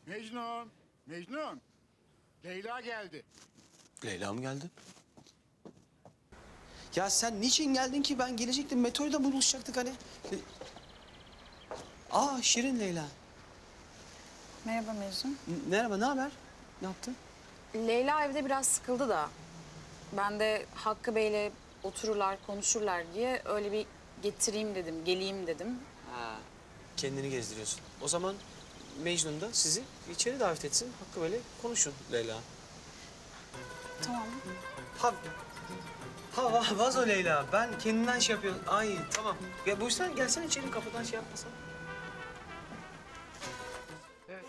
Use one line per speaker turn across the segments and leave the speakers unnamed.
Mecnun, Mecnun. Leyla geldi.
Leyla mı geldi? Ya sen niçin geldin ki? Ben gelecektim. Metroyla buluşacaktık hani. Aa Şirin Leyla.
Merhaba Mecnun.
Merhaba, ne haber? Ne yaptın?
Leyla evde biraz sıkıldı da. Ben de Hakkı Bey'le otururlar, konuşurlar diye öyle bir getireyim dedim, geleyim dedim.
Ha, kendini gezdiriyorsun. O zaman Mecnun da sizi içeri davet etsin. Hakkı böyle konuşun Leyla.
Tamam.
Ha vazo Leyla. Ben kendinden şey yapıyorum. Ay tamam. Ya buyursan gelsene içeri, kapıdan şey yapmasan. Evet.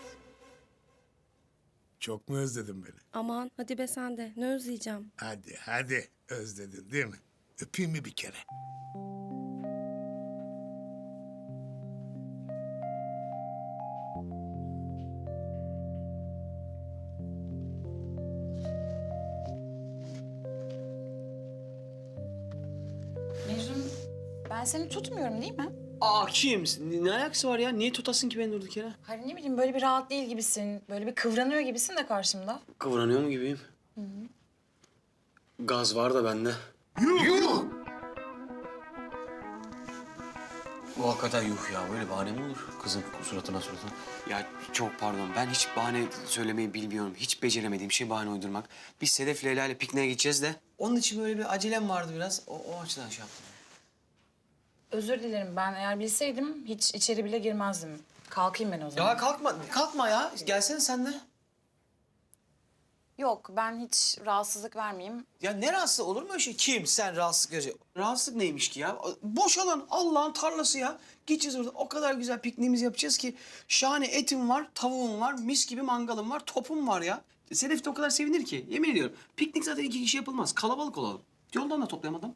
Çok mu özledin beni?
Aman hadi be sen de. Ne özleyeceğim.
Hadi. Özledin değil mi? Öpeyim mi bir kere?
Mecnun, ben seni tutmuyorum değil mi?
Aa kim? Ne alakası var ya? Niye tutasın ki beni durduk yere?
Hayır ne bileyim böyle bir rahat değil gibisin. Böyle bir kıvranıyor gibisin de karşımda.
Kıvranıyor mu gibiyim? Gaz var da bende.
Yuh!
Bu hakikaten yuh ya. Böyle bahane mi olur? Kızın suratına. Ya çok pardon. Ben hiç bahane söylemeyi bilmiyorum. Hiç beceremediğim şey bahane uydurmak. Biz Sedef Leyla ile pikniğe gideceğiz de. Onun için böyle bir acelem vardı biraz. O açıdan şey yaptım.
Özür dilerim ben eğer bilseydim hiç içeri bile girmezdim. Kalkayım ben o zaman.
Ya kalkma ya. Gelsene sen de.
Yok ben hiç rahatsızlık vermeyeyim.
Ya ne rahatsız olur mu öyle şey? Kim? Sen rahatsızlık görecek. Rahatsızlık neymiş ki ya? Boş alan Allah'ın tarlası ya. Gideceğiz orada. O kadar güzel pikniğimizi yapacağız ki. Şahane etim var, tavuğum var, mis gibi mangalım var, topum var ya. Sedef de o kadar sevinir ki. Yemin ediyorum. Piknik zaten 2 kişi yapılmaz. Kalabalık olalım. Yoldan da toplayamadım.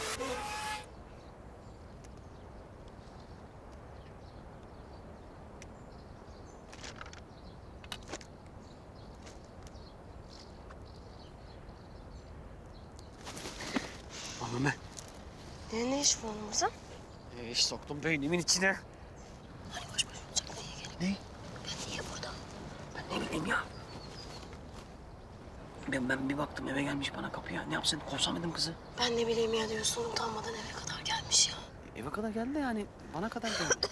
Mehmet.
Ne iş bu oğlumuza?
İş soktum beynimin içine.
Hani baş başa olacak niye gelip?
Ne?
Ben niye burada?
Ben ne bileyim ya. Ben bir baktım eve gelmiş bana kapıya. Ne yapsın? Kovsam kızı.
Ben ne bileyim ya diyorsun utanmadan eve kadar gelmiş ya.
Eve kadar geldi de yani bana kadar geldi.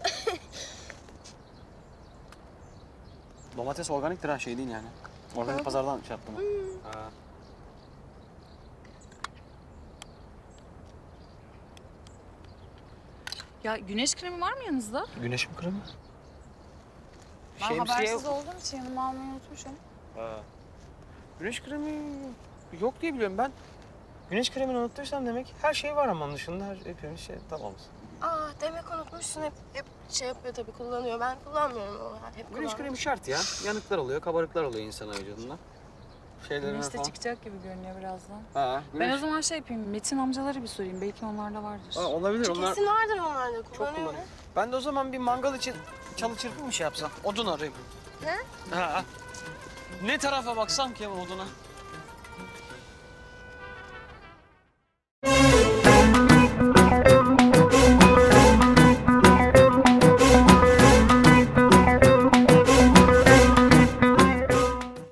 Domates organiktir ha, şey değil yani. Organik pazardan şey yaptım. Ha.
Ya güneş kremi var mı yanınızda?
Güneş mi kremi?
Ben habersiz olduğum için yanıma almayı unutmuşum.
Ha. Güneş kremi yok diye biliyorum ben. Güneş kremini unuttuysam demek her şey var ama onun dışında hepimiz şey tamamız.
Aa demek unutmuşsun hep şey yapıyor tabii kullanıyor. Ben kullanmıyorum o hep
Güneş
kullanmıyorum.
kremi şart ya. Yanıklar oluyor, kabarıklar oluyor insan vücudunda. Şeylerine
Güneş de
falan.
çıkacak gibi görünüyor birazdan.
Ha, güneş.
Ben o zaman şey yapayım, Metin amcaları bir sorayım. Belki onlarda vardır.
Ha, olabilir onlar.
Kesin vardır onlarda
Çok
kullanıyor.
kullanıyor. Ben de o zaman bir mangal için çalı çırpı mı şey yapsam? Odun arayayım.
Ne?
Ha. Ne tarafa baksam ki oduna?